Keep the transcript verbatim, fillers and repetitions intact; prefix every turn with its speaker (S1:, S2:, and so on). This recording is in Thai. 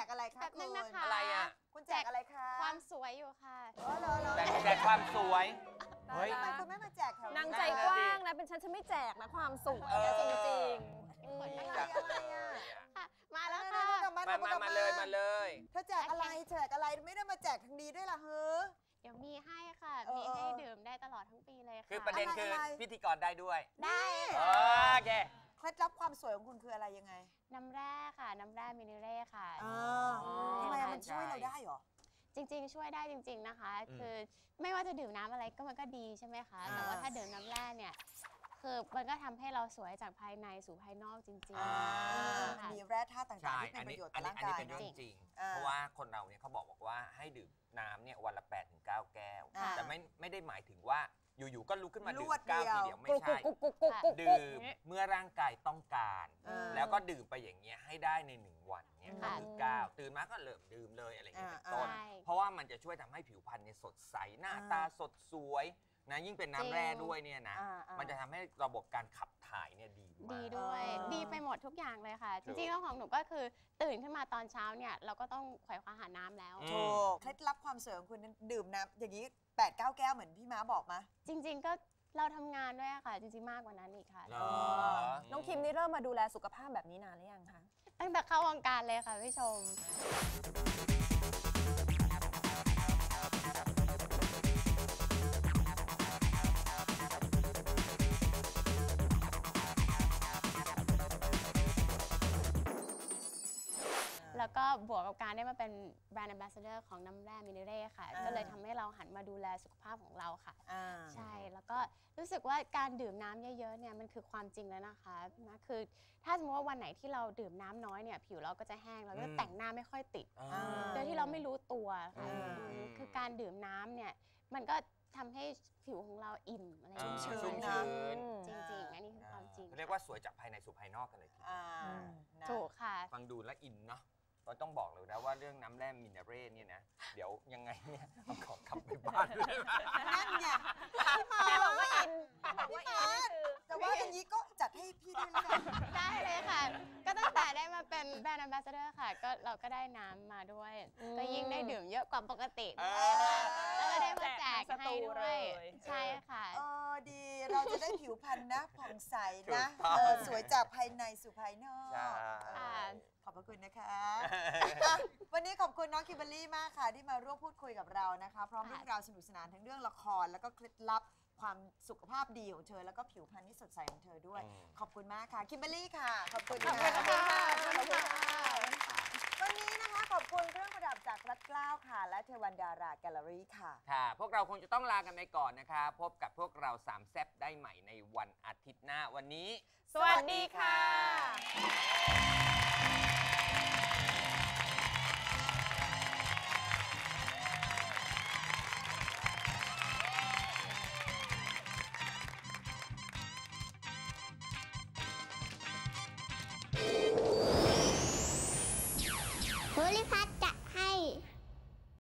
S1: กอะไรคะคุณ
S2: อะไรอ่ะ
S1: คุณแจกอะไรคะ
S3: ความสวยอยู่ค่ะ
S2: แจกความสวย
S1: เฮ้ยทำไมคุณไม่มาแจกแถวน
S4: างใจกว้างนะเป็นฉันฉันไม่แจกนะความสวยจริงจริง
S1: อะไรอะไรอ่ะ
S3: มาแล้วค่ะ
S2: มามามาเลยมาเลย
S1: เธอแจกอะไรแจกอะไรไม่ได้มาแจกทางนี้ด้วยล่ะเฮ้อ
S3: เดี๋ยวมีให้ค่ะมีให้ดื่มได้ตลอดทั้งปีเลยค่ะ
S2: คือประเด็นคือพิธีกรได้ด้วย
S3: ได้
S2: โอเค
S1: เคล็ดลับความสวยของคุณคืออะไรยังไง
S3: น้ำแร่ค่ะน้ำแร่มิเนเร่ค่ะ
S1: ทำไมมันช่วยเราได้หรอ
S3: จริงๆช่วยได้จริงๆนะคะคือไม่ว่าจะดื่มน้ำอะไรก็มันก็ดีใช่ไหมคะแต่ว่าถ้าดื่มน้ำแร่เนี่ยคือมันก็ทำให้เราสวยจากภายในสู่ภายนอกจริง
S1: ๆมีแร่ธาตุต่างๆที่เป็นประโยชน์ต่อร่างกาย
S2: อันนี้เป็นเรื่องจริงเพราะว่าคนเราเนี่ยเขาบอกบอกว่าให้ดื่มน้ำเนี่ยวันละ แปดถึงเก้า แก้วแต่ไม่ไม่ได้หมายถึงว่าอยู่ๆก็ลุกขึ้นมาดื่มเก้าทีเดียวไม่ใช่ดื่มเมื่อร่างกายต้องการแล้วก็ดื่มไปอย่างเงี้ยให้ได้ในหนึ่งวันเนี่ยก็คือเก้าตื่นมาก็เริ่มดื่มเลยอะไรอย่างเงี้ยเป็นต้นเพราะว่ามันจะช่วยทำให้ผิวพรรณเนี่ยสดใสหน้าตาสดสวยนะยิ่งเป็นน้ำแร่ด้วยเนี่ยนะมันจะทำให้ระบบการขับถ่ายเนี่ยดีมาก
S3: ดีด้วยดีไปหมดทุกอย่างเลยค่ะจริงๆแล้วของหนูก็คือตื่นขึ้นมาตอนเช้าเนี่ยเราก็ต้องไขว่คว้าหาน้ำแล้ว
S1: ถูกเคล็ดลับความสวยของคุณดื่มน้ำอย่างนี้แปด เก้า แก้วเหมือนพี่ม้าบอกมะ
S3: จริงๆก็เราทำงานด้วยค่ะจริงๆมากกว่านั้นอีกค่ะ
S4: น้องคิมนี่เริ่มมาดูแลสุขภาพแบบนี้นานหรือยังคะ
S3: ตั้งแต่เข้าวงการเลยค่ะพี่ชมแล้วก็บวกกับการได้มาเป็นแบรนด์แอมบาสเดอร์ของน้ำแร่มิเนเร่ค่ะก็เลยทำให้เราหันมาดูแลสุขภาพของเราค่ะใช่แล้วก็รู้สึกว่าการดื่มน้ำเยอะๆเนี่ยมันคือความจริงแล้วนะคะนะคือถ้าสมมติว่าวันไหนที่เราดื่มน้ำน้อยเนี่ยผิวเราก็จะแห้งเราก็แต่งหน้าไม่ค่อยติดโดยที่เราไม่รู้ตัวค่ะคือการดื่มน้ำเนี่ยมันก็ทำให้ผิวของเราอิ่มอะไรอย่างเงี้ย
S2: ชุ่มชื้น
S3: จริงๆอันนี้คือความจริง
S2: เรียกว่าสวยจากภายในสู่ภายนอกกันเลยทีเดียว
S3: ถูกค่ะ
S2: ฟังดูและอินเนาะก็ต้องบอกเลยนะว่าเรื่องน้ำแร่มิเนเร่เนี่ยนะเดี๋ยวยังไงเนี่ยเอาของกลับไปบ้านเลย
S1: นั่นไงพี่มาบอกว่าอินพี่มาแต่ว่าอย่างนี้ก็จัดให้พี่ด้วยนะ
S3: ได้เลยค่ะก็ตั้งแต่ได้มาเป็นแบรนด์แอมบาสเดอร์ค่ะก็เราก็ได้น้ำมาด้วยก็ยิ่งได้ดื่มเยอะกว่าปกติแล้วก็ได้มาแจกให้ด้วยใช่ค่ะ
S1: เออดีเราจะได้ผิวพรรณนะผ่องใสนะสวยจากภายในสู่ภายนอกขอบพระคุณนะคะวันนี้ขอบคุณน้องคิมเบอร์รี่มากค่ะที่มาร่วมพูดคุยกับเรานะคะพร้อมเรื่องราวสนุกสนานทั้งเรื่องละครแล้วก็เคล็ดลับความสุขภาพดีของเธอแล้วก็ผิวพรรณที่สดใสของเธอด้วยขอบคุณมากค่ะคิมเบอร์รี่ค่ะขอบคุณค่ะขอบคุณค่ะวันนี้นะคะขอบคุณเครื่องประดับจากรัตเกล้าค่ะและเทวันดาราแกลเลอรี่ค่ะ
S2: ค่ะพวกเราคงจะต้องลากันไปก่อนนะคะพบกับพวกเราสามแซ่บได้ใหม่ในวันอาทิตย์หน้าวันนี้
S4: สวัสดีค่ะ